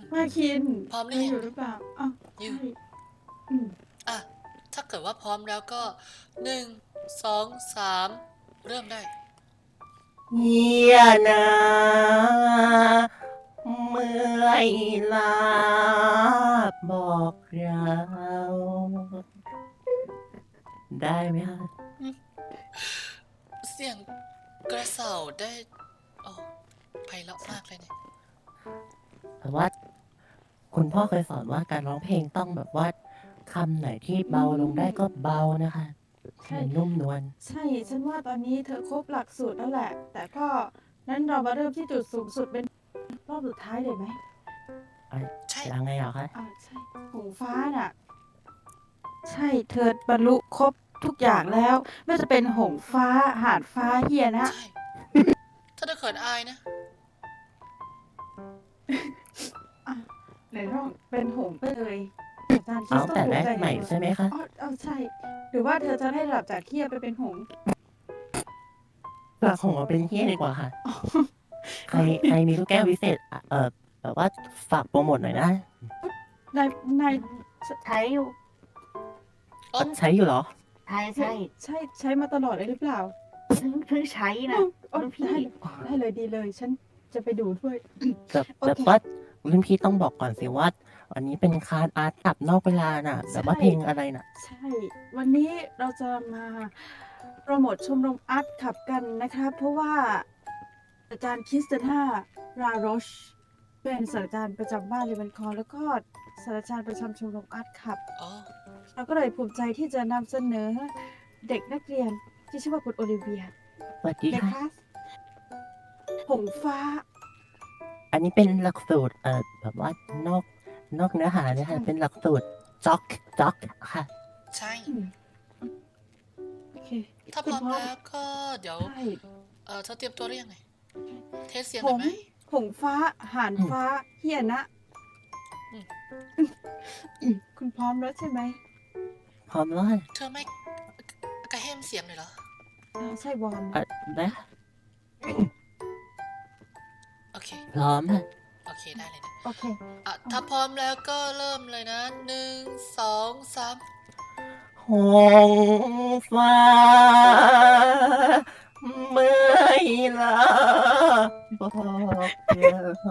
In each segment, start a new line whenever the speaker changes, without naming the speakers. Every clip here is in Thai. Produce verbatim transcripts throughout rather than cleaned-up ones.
มาคิน
พร้อมห
เธ
รือ
อ
ยั
อง ยู่หรือเปล่าอ้าว
อ
ใช
ยู่
่ อืม
อะ ถ้าเกิดว่าพร้อมแล้วก็ หนึ่ง สอง สาม เริ่มได้
เฮียนะเมื่อยล้าบอกเรา ได้ไหมคะ
อืม เสียงกระเส่าได้ โอ้ ไพเราะมากเลยเนี่ย
แต่ว่า คุณพ่อเคยสอนว่าการร้องเพลงต้องแบบว่าคำไหนที่เบาลงได้ก็เบานะคะ
ใช่
มันนุ่มนวล
ใช่ ฉันว่าตอนนี้เธอครบหลักสูตรแล้วแหละ แต่ก็นั้นเรามาเริ่มที่จุดสูงสุดเป็นรอบสุดท้ายเลยไหม?
อะ
ใช่
ยังไงเหรอคะ?
อา ใช่ หงส์ฟ้าน่ะ ใช่ เธอบรรลุครบทุกอย่างแล้ว ไม่ว่าจะเป็นหงส์ฟ้า ห่านฟ้า เฮียนะ
ใช่ ถ้าเธอเขินอายนะ
อะ ไหนลองเป็นหงส์ไปเลย อาจารย์ค
เอ
ริ
า
สต
ตั้งแต่
องภู
แร
มิ
ก
ใจใน
ใหม่
ตัว
ใช่ไหมคะ?
อ้อ อ้อ ใช่ หรือว่าเธอจะให้ระดับจากเฮียไปเป็นหงส์?
จากหงส์มาเป็นเฮียดีกว่าค่ะ ใคร ใครมีลูกแก้ววิเศษ อ เอ่อ แบบว่าฝากโพรโมตหน่อยนะ
นาย นาย ช
ใช้อยู่
อ๋อ
อะ ใช้อยู่เหรอ?
ใช่
ใช่ ใช่ ใช้มาตลอดเลยหรือเปล่า?
ๆ เพิ่ง เพิ่งใช้
อ
น่ะ
ืม โอ้
รุ่นพี่
ได้ ได้เลย ดีเลย ฉันจะไปดูด้วย
แบบ
โอ
แบบ
เค
ว่ารุ่นพี่ต้องบอกก่อนสิว่า วันนี้เป็นคลาสอาร์ตคลับนอกเวลาน่ะ
ใ
แบ
ช
บว่า
่
เพลงอะไรน่ะ?
ใช่ วันนี้เราจะมาโพรโมตชมรมอาร์ตคลับกันนะครับ เพราะว่าอาจารย์คริสติน่า ราโรช เป็นศาสตราจารย์ประจำบ้าน Ravenclaw แล้วก็ศาสตราจารย์ประจำชมรมอาร์ตคลับ
อ๋อ
เราก็เลยภูมิใจที่จะนำเสนอเด็กนักเรียนที่ชื่อว่าคุณโอลิเวีย
สวัสดี
ใน
ค่ะ
คลาส หงส์ฟ้า
อันนี้เป็นหลักสูตร เอ่อ แบบว่านอก นอกเนื้อหาเลย
ใช
ค่ะ
่
เป็นหลักสูตร จ็อก จ็อก ค่ะ
ใช่
อืม โอเค
ถ้า
คุ
พร้อม
ณพร้อม
แล้วก็เดี๋ยว
ใช่
เอ่อ เธอเตรียมตัวหรือยังไง? เทสเสียง
หง
หน่อยไหม?
ส์ หงส์ฟ้า ห่าน
อืม
ฟ้า เฮียนะ
อืม
อืม คุณพร้อมแล้วใช่ไหม?
พร้อมแล้วค่ะ
เธอไม่ กระเห้มเสียงหน่อยเหรอ?
อา ใช่ วอร์ม
อะ ได้ค่ะ
โอเค
พร้อมค่ะ
โอเค ได้เลยนะ
โอเค
อะ
อ้อ
ถ้าพร้อมแล้วก็เริ่มเลยนะ หนึ่ง สอง สาม
หงส์ฟ้า เมื่อยล้าบอกเรา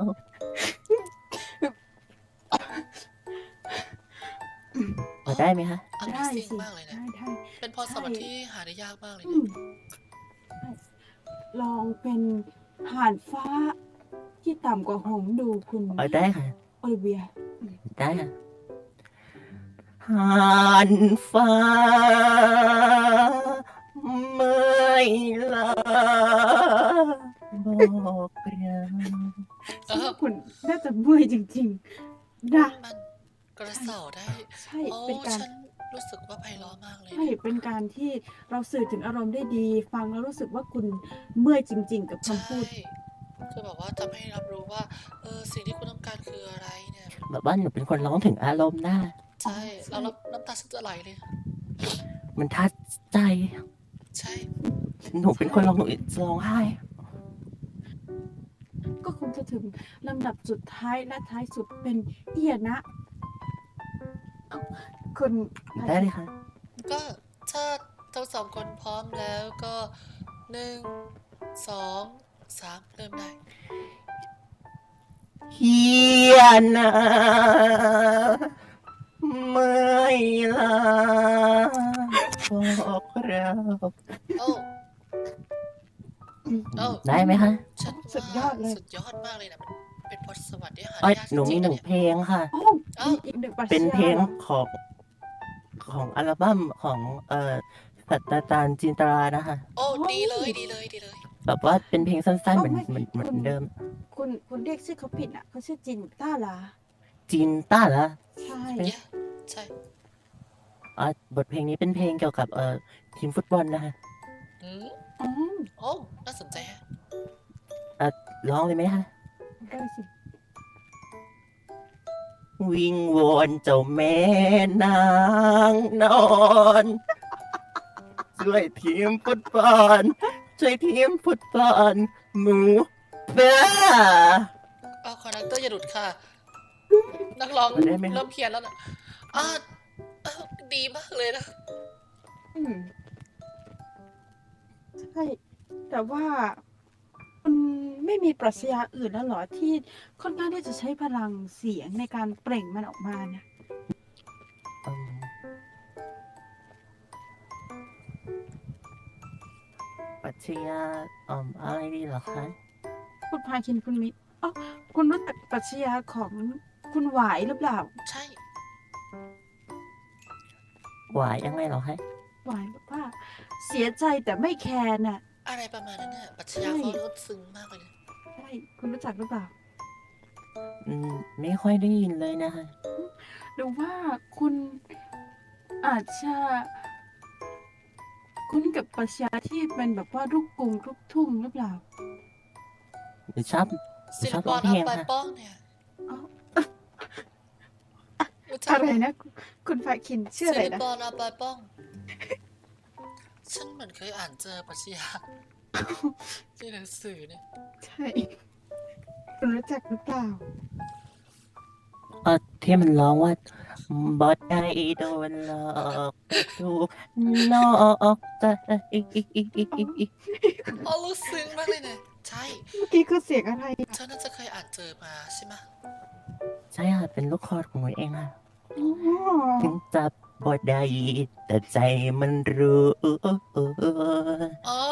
พอได้ไหมคะ?
ได้
Amazing
สิ
มากเลย
ไ
นะ
ด้
เป็นพ
ๆ
ร
ใช
สว่รรค์ที่หาได้ยากมากเลย
อื
นะ
ม ใช่ ลองเป็นห่านฟ้าที่ต่ำกว่าหงส์ดูคุณ
อ๋อ ได้ค่ะ
โอลิเวีย อืม
ได้ค่ะ ห่านฟ้า เมื่อยล้าบอกเรา
เออ
ฉันว่าคุณน่าจะเมื่อยจริง ๆ นะ
มันกระ
ใช่
เส่าได้
ใช่
โอ้
เป็นการ
ฉันรู้สึกว่าไพเราะมากเลย
ใช่
เนี่ย
เป็นการที่เราสื่อถึงอารมณ์ได้ดี ฟังแล้วรู้สึกว่าคุณเมื่อยจริง ๆ กับ
ใ
ค
ช่
ำพูด
คือแบบว่าทำให้รับรู้ว่า เออ สิ่งที่คุณต้องการคืออะไรเนี่ย
แบบว่าหนูเป็นคนร้องถึงอารมณ์ได้
ใช่
อ๋อ ใช
เรา
่
น้ำ น้ำตาฉันจะไหลเลย
มันทัดใจ
ใช่
หนู
ใช
เป็นคนร้อง
่
หนูจะร้องไห้
ก็คงจะถึงลำดับสุดท้ายและท้ายสุดเป็นเฮียนะ อ้าว คุณ พา
ได้
คิน
เลยค่ะ
ก็ถ้าทั้ง สอง คนพร้อมแล้วก็ หนึ่ง สอง สาม เริ่มได้
เฮียนะ เมื่อยล้าบอกเรา
โอ้
อืม
โอ้
ได้ไหมคะ?
ฉัน
สุ
ว่า
ดยอดเลย
สุดยอดมากเลยนะ มันเป็นพรสวรรค์ที่หา
เอ
ไ
๊
ด้
ย
ยาก
หนูม
จริ
ี
ง ๆ
ห
น
น
ะ
ึ่
เ
ง
นี่ย
เพลงค่ะ
โอ้
อ้า
มี
ว
อีก หนึ่ง ปรัช
เป็นเพ
ญาเหรอ?
ลงของ ของอัลบัมของ เอ่อ ศาสตราจารย์จินตรานะคะ
โอ้
โอ้
ดีเลย ดีเลย ดีเลย
แบบว่าเป็นเพลงสั้น ๆ
อ้
เ
า
หมือน
ว ไม่
เหมือน เหมือ
คุณ
นเดิม
คุณ คุณเรียกชื่อเขาผิดอะ เขาชื่อจินต้ารา
จินต้ารา
ใช่
ใช่ไหม?
Yeah ใช่
อ๋อ บทเพลงนี้เป็นเพลงเกี่ยวกับ เอ่อ ทีมฟุตบอลนะคะ
หือ
อ๋อ
โอ้ น่าสนใจแฮะ
อ่า ร้องเลยไหมคะ?
ได้สิ
วิงวอนเจ้าแม่นางนอน ช่วยทีมฟุตบอล ช่วยทีมฟุตบอลหมู่บ้า
อ้าว คอนดักเตอร์อย่าหลุดค่ะนักร้อง
ได้ไหมครับ
เริ่มเพี้ยนแล้วนะอ่าเอ้าดีมากเลยนะ
อืมใช่ แต่ว่าคุณไม่มีปรัชญาอื่นแล้วเหรอที่ค่อนข้างที่จะใช้พลังเสียงในการเปล่งมันออกมาเนี่ย
อืมปรัชญาอืมอะไรดีเหรอคะ
คุณพาคินคุณมิตรอ๋อคุณรู้จักปรัชญาของคุณหวายหรือเปล่า
ใช่
หวายยังไงเหรอคะ
หวายบอกว่าเสียใจแต่ไม่แคร์น่ะ
อะไรประมาณนั้นน่ะปรัชญา
ใช่
เขาลึกซึ้งมากเลยนะ
ใช่คุณรู้จักหรือเปล่า
อืมไม่ค่อยได้ยินเลยนะคะ
หรือว่าคุณอาจจะคุ้นกับปรัชญาที่เป็นแบบว่าลูกกรุงลูกทุ่งหรือเปล่า
หรือชอบหรือ
ศิ
ช
ล
อบ
ป
ร้
อ
อง
น
เพล
เอา
ง
ไป
ค่ะ
ป้องเนี่ย
อ๋อ
รู้จัก
อะไรนะ คุณพาคินชื่อ
ศิ
อะไร
ล
นะ
ปอนเอาไปป้อง ฉันเหมือนเคยอ่านเจอปรัชญาที่หนังสือเนี่ย
ใช่ คุณรู้จักหรือเปล่า
เออที่มันร้องว่าบอดได้โดนหลอกไปถูกนอกใจ
อ๋อลึกซึ้งมากเลยเนี่ยใช่
เมื่อกี้คือเสียงอะไรอะ
เธอน่าจะเคยอ่านเจอมาใช่ไหม
ใช่ค่ะเป็นลูกคอของหนูเองค่ะ
อ๋อ
ถึงจับบอดได้แต่ใจมันรู้
อ๋อ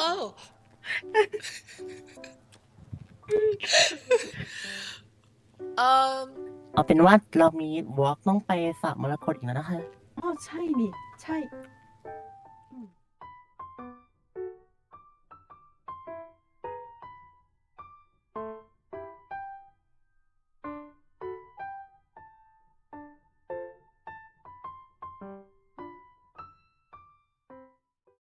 เอ่อ
เอาเป็นว่าเรามีวอล์กต้องไปสระมรกตอีกแล้วนะคะ
อ๋อใช่นี่ ใช่